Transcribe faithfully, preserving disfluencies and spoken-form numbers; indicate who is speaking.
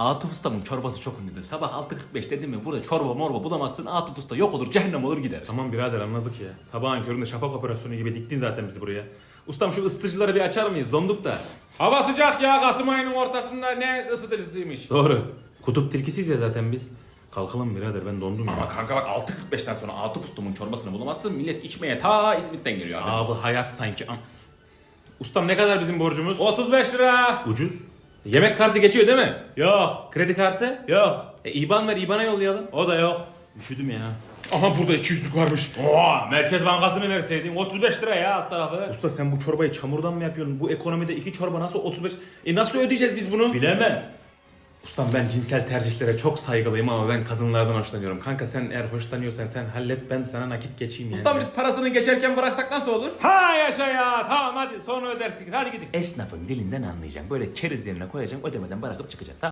Speaker 1: Atıf Usta'nın çorbası çok ünlüdür. Sabah altı kırk beş dedim mi burada çorba morba bulamazsın. Atıf Usta yok olur, cehennem olur gider.
Speaker 2: Tamam birader anladık ya. Sabahın köründe şafak operasyonu gibi diktin zaten bizi buraya. Ustam şu ısıtıcıları bir açar mıyız? Donduk da.
Speaker 3: Hava sıcak ya, Kasım ayının ortasında ne ısıtıcısıymış.
Speaker 2: Doğru. Kutup tilkisiyiz ya zaten biz. Kalkalım birader, ben dondum ya.
Speaker 1: Ama kanka bak altı kırk beşten sonra Atıf Usta'nın çorbasını bulamazsın. Millet içmeye ta İzmit'ten geliyor abi.
Speaker 2: Abi hayat sanki. Am- Ustam ne kadar bizim borcumuz?
Speaker 3: otuz beş lira.
Speaker 2: Ucuz.
Speaker 3: Yemek kartı geçiyor değil mi?
Speaker 2: Yok.
Speaker 3: Kredi kartı?
Speaker 2: Yok.
Speaker 3: E, İban ver, İban'a yollayalım.
Speaker 2: O da yok. Üşüdüm ya.
Speaker 3: Aha burada iki yüzlük varmış.
Speaker 2: Oha, Merkez Bankası'nı verseydin otuz beş lira ya alt tarafı. Usta sen bu çorbayı çamurdan mı yapıyorsun? Bu ekonomide iki çorba nasıl otuz beş? E nasıl ödeyeceğiz biz bunu? Bilemem. Ustam ben cinsel tercihlere çok saygılıyım ama ben kadınlardan hoşlanıyorum. Kanka sen eğer hoşlanıyorsan sen hallet, ben sana nakit geçeyim yani.
Speaker 3: Ustam biz parasını geçerken bıraksak nasıl olur?
Speaker 2: Ha yaşa ya, tamam hadi sonra ödersin, hadi gidin.
Speaker 1: Esnafın dilinden anlayacaksın. Böyle keriz yerine koyacaksın, ödemeden bırakıp çıkacaksın. Tamam.